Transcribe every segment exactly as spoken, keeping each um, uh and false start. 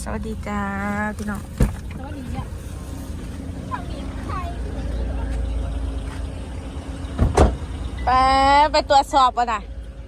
สวัสดีจ้าพี่น้องสวัสดีจ้ะไปไปตรวจสอบก่อนนะ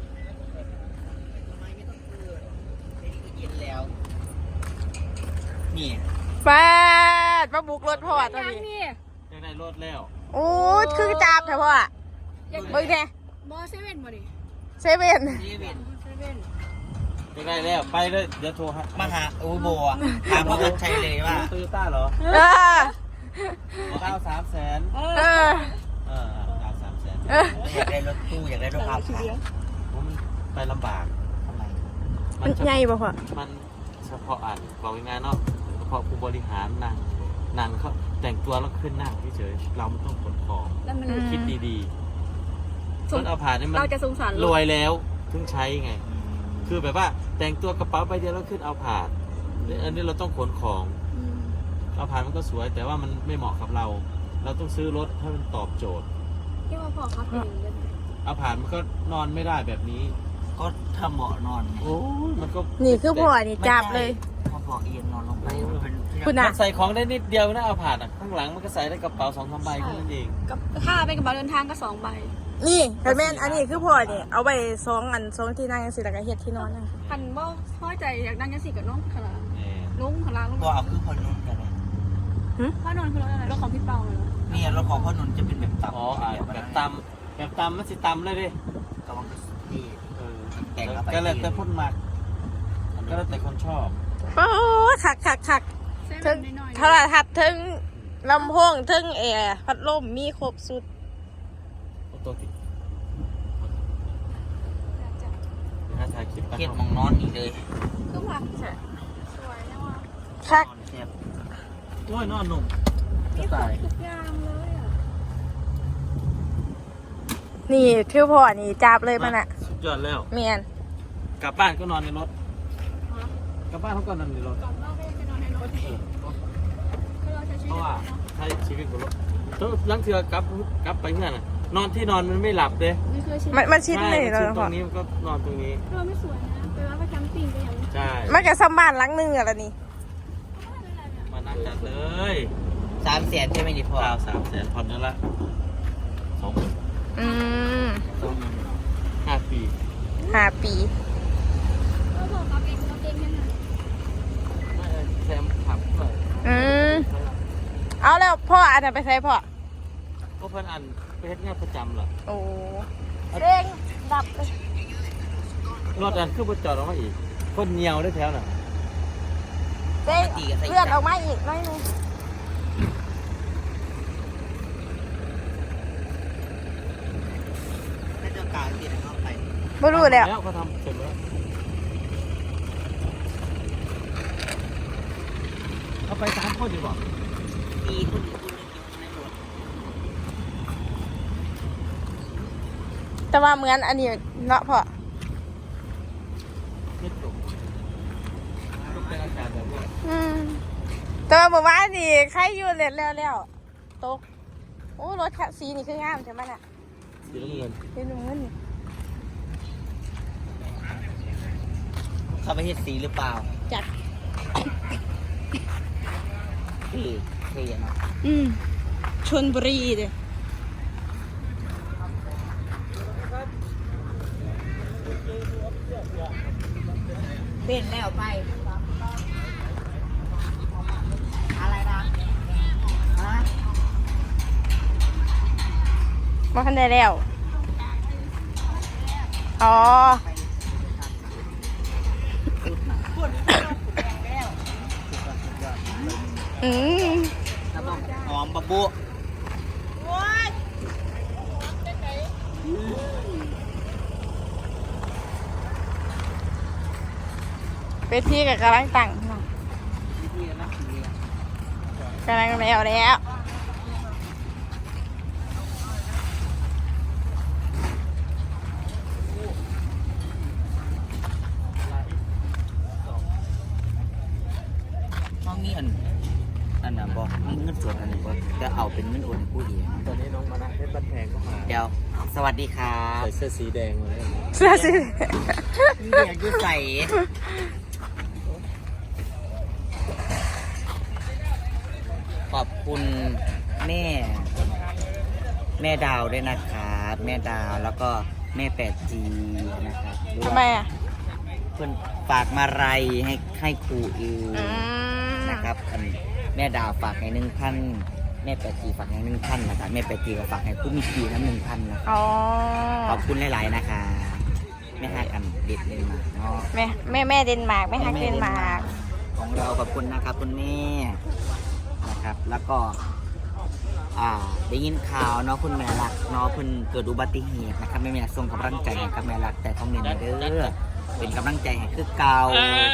นี่ไปมาบุกรถพ่อตอนนี้ยังได้รถแล้วโอ้คือจับเถอะพ่อเบิ้งแน่บอเซเว่นบ่ดิเซเว่นเซเว่นเซเว่นยังได้แล้วไปเลยเดี๋ยวโทรมาหาอูโบอ่ะถามว่าใช่เลยว่าโตโยต้าเหรอเออเก้าสามแสนเออเออเก้าสามแสนอยากได้รถตู้อยากได้รถพาผ่านผมไปลำบากทำไมมันใหญ่ป่ะพ่อมันเฉพาะอ่านบอกยังไงเนาะเฉพาะผู้บริหารนั่งนั่งเขาแต่งตัวแล้วขึ้นนั่งเฉยเราไม่ต้องขนของคิดดีๆคนเอาผ่านนี่มันรวยแล้วถึงใช้ไงคือแบบว่าแต่งตัวกระเป๋าใบเดียวแล้วขึ้นเอาผ่านอันนี้เราต้องขนของเอาผ่านมันก็สวยแต่ว่ามันไม่เหมาะกับเราเราต้องซื้อรถให้มันตอบโจทย์ที่ว่าพอเขาเป็นเอาผ่านมันก็นอนไม่ได้แบบนี้ก็ทำเบาะนอนโอ้ยมันก็นี่คือพ่อนี่จับเลยพอบอกเอียงนอนลงไปเป็นคุณน่ะใส่ของได้นิดเดียวนะเอาผ่านอ่ะข้างหลังมันก็ใส่ได้กระเป๋าสองสามใบแค่นั้นเองกับถ้าเป็นกระเป๋าเดินทางก็สองใบนี่แต่แม่นอันนี้คือพ่อนี่เอาไปสองอันสองที่นั่งสิแล้วก็เฮ็ดที่นอนนะพันบ่พอใจอยากนั่งยังสิกับน้องขลาลุงขลาลุงก็เอาคือพ่อนุ่นกันเลยพ่อนนท์คือรถอะไรรถของพี่เปาเลยนี่รถของพ่อนุ่นจะเป็นแบบต่ำอ๋อแบบต่ำแบบต่ำมันสิต่ำเลยดิกำลังดีแต่งก็เลยแต่พ่นหมักก็แล้วแต่คนชอบโอ้ขักขักขักถึงโทรทัศน์ถึงลำโพงถึงแอร์พัดลมมีครบสุดตัวติดถ่ายคลิปเกียดมองนอนอีกเลยคือผักสวยนะวะคักโอ้ยนอนหนุ่มนี่ขายทุกอย่างเลยอ่ะนี่คือพ่อนี่จับเลยมันอ่ะสุดยอดแล้วเมียนกลับบ้านก็นอนในรถกลับบ้านเขาก็นอนในรถกลับบ้านก็จะนอนในรถเพราะว่าใช้ชีวิตบนรถต้องลังเถื่อกลับกลับไปเมื่อน่ะนอนที่นอนมันไม่หลับเลยมันมันชิดเลยเราตรงนี้ก็นอนตรงนี้เราไม่สวยนะไปว่าไปแคมปิ้งไปอย่างใช่มันก็ซ้ำบ้านหลังนึงอะไรนี่มานั่งจัดเลยสามแสนใช่ไหมนี่พ่อสามแสนผ่อนนั่นละสองหมื่นอืมห้าปีห้าปีก็บอกกับเองกับเองยังไงไม่แซมขับเลยอืมเอาแล้วพ่ออันไหนไปใช้พ่อก็เพิ่นอันไปเฮ็ดงานประจำเหรอโอ้เร่งดับเลยรถอันคือบ่จอดออกมาอีกคนเหนียวได้แถวน่ะเร่งเลื่อนออกมาอีกหน่อยนึงให้เจ้ากาวติดเข้าไปไม่รู้แล้วเขาทำเสร็จแล้วเอาไปสามคนดีกว่ามีคนอีกคนนึงในรถแต่ว่าเหมือนอันนี้เนาะพ่อไม่ตกต้องเป็นอากาศแบบนี้อืมแต่ว่าเมื่อวานนี่ใครอยู่เล็ดแล้วแล้วตกโอ้รถสีนี่คืองามใช่ไหมน่ะสีน้ำเงินสีน้ำเงินเขาไปเห็ดสีหรือเปล่าจัดที่เทียนอืมชลบุรีเด้เป็นแล้วไปอะไรนะฮะมาคันได้แล้วอ๋ออืมหอมบะบุไปที่กับกำลังตั้งกำลังแล้วแล้วน้องมีอันอันน่ะบอกมีเงินสดอันนี้บอกจะเอาเป็นเงินโอนผู้เดียวตอนนี้น้องมานะเพชรบันแพงเข้ามาเดี๋ยวสวัสดีครับใส่เสื้อสีแดงมาเลยเสื้อสีนี่อยากจะใส่คุณแม่แม่ดาวด้วยนะครับแม่ดาวแล้วก็แม่แปดจีนะครับทำไมอ่ะเพื่อนฝากมาไรให้ให้ครูอิวอืมนะครับอันแม่ดาวฝากให้หนึ่งพันแม่แปดจีฝากให้หนึ่งพันนะครับแม่แปดจีก็ฝากให้ผู้มีกีน้ำหนึ่งพันนะอ๋อขอบคุณหลายๆนะคะแม่ให้กันเด็ดเลยมาเนาะแม่แม่แม่เดนมาร์กแม่ฮักเดนมาร์กของเราขอบคุณนะครับคุณแม่นะครับ แล้วก็อ่าได้ยินข่าวเนาะคุณแม่รักเนาะเพิ่นเกิดอุบัติเหตุนะครับแม่แม่ส่งกำลังใจให้กับแม่รักแต่ต้องเรียนเด้อเป็นกำลังใจให้คือเก่า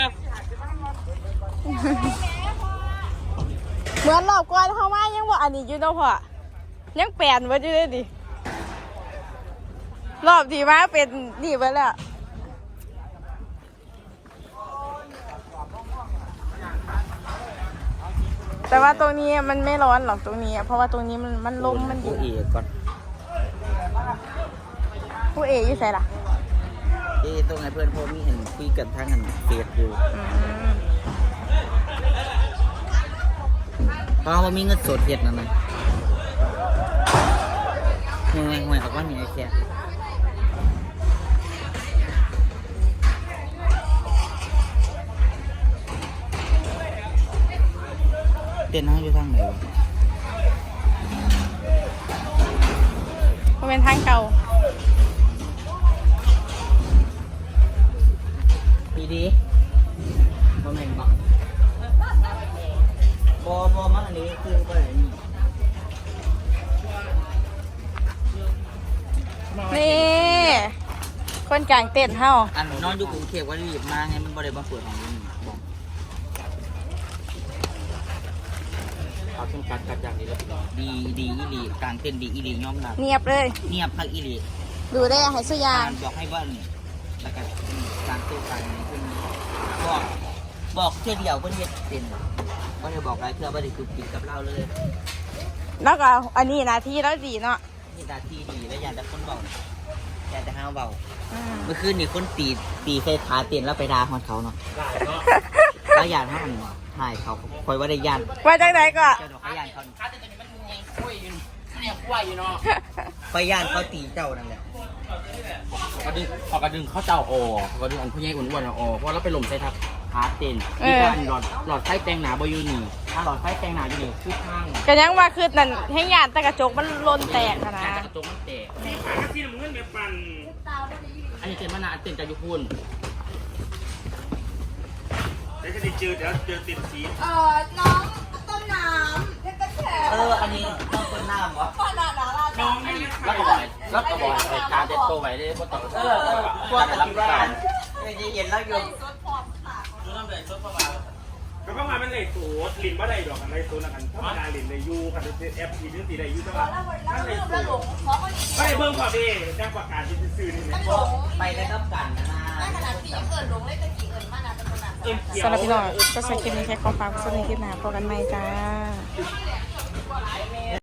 เหมือนรอบก่อนเข้ามายังว่าอันนี้อยู่เนาะพ่อยังแปลนไว้อยู่เลยดิรอบที่มาเป็นนี่ไปแล้วแต่ว่าตรงนี้มันไม่ร้อนหรอกตรงนี้อะเพราะว่าตรงนี้มันมันลมมันอผู้ยู่เอกก่อนผู้เอ๋อยู่ใส่ล่ะเอ้ตรงไหนเพื่อนพอมีเห็นคุยกันทางอันเฟซอยู่อืมเพราะว่ามีเงินสดเฮ็ดนั่นน่ะห่วยห่วยออกว่ามีไอ้แค่เต้นห้างอยู่ทางไหนวะมันเป็นทางเก่าปีดีบ่แม่นบ่บ่บ่มาอันนี้คือบ่ได้นี่นี่คนกลางเต้นเฮาอันนอนอยู่กรุงเทพว่ารีบมาไงมันบ่ได้มาเปิดของนี่บอกเอาขึ้นกัดกัดอย่างนี้แล้วดีดีอีหลีกลางเต้นดีอีหลียอมรับเงียบเลยเงียบพักอีหลีดูได้ให้สุยางการบอกให้ว่าแล้วก็การตู้การนี้ขึ้นบอกบอกเที่ยวเดียวเพิ่นเฮ็ดเป็นบ่ได้บอกหลายเทื่อบ่ได้คือปิดกับเราเลยแล้วก็อันนี้นาทีแล้วดีเนาะนี่ตาที่ดีแล้วอยากแต่คนเบาอยากแต่ห้าวเบาอืมเมื่อคืนนี่คนตีตีใส่ขาเตียนแล้วไปด่าฮอดเขาเนาะได้เนาะแล้วยานเขามันถ่ายเขาคอยว่าได้ยานว่าจากไหนก็เจ้าดอกเขายานเขาขาแต่ตัวนี้มันยังคุยอยู่เนี่ยคุยอยู่เนาะคอยยานเขาตีเจ้านั่นแหละกระดึงพอกระดึงเขาเจ้าออกกระดึงอันผู้ใหญ่อ้วนๆออกเพราะเราไปหล่มใส่ทับขาเต้นมีการหลอดหลอดไฟแตงหนาบอยู่นี่ถ้าหลอดไฟแตงหนาอยู่นี่คือข้างก็ยังว่าคือนั่นให้ยานแต่กระจกมันลนแตกอะนะแต่กระจกมันแตกนี่ปากที่น้ำเงินแบบปั่นอันนี้เต้นมานานเต้นจากยุคุณเดี๋ยวจะได้เจอเดี๋ยวเจอติดสีเอ่อน้องต้นน้ำเพชรกระแฉเอออันนี้ต้องคนหน้าวะพ่อนาดาราจ้าแล้วก็บอกแล้วก็บอกการเต้นโตไว้ได้เพราะต่อเออเออพวกกันที่บ้านไม่ได้เย็นแล้วอยู่ก็ประมาณมันเลยสูตรลินว่าได้ดอกกันได้สูตรนะกันธรรมดาลินได้ยูกันแอปทีนึงตีได้ยูจังหวะมันเลยสูตรไม่ได้เบิ่งพอดีจ้างประกาศที่ซื้อนี่เนี่ยไปได้กับกันนะนะขนาดปีเกิดลงเลยตะกี้เอิญมานาเป็นขนาดเอ็มเขียวสำหรับพี่น้องก็ใช้คลิปนี้แค่ขอฝากสวัสดีคลิปหน้าพบกันใหม่จ้า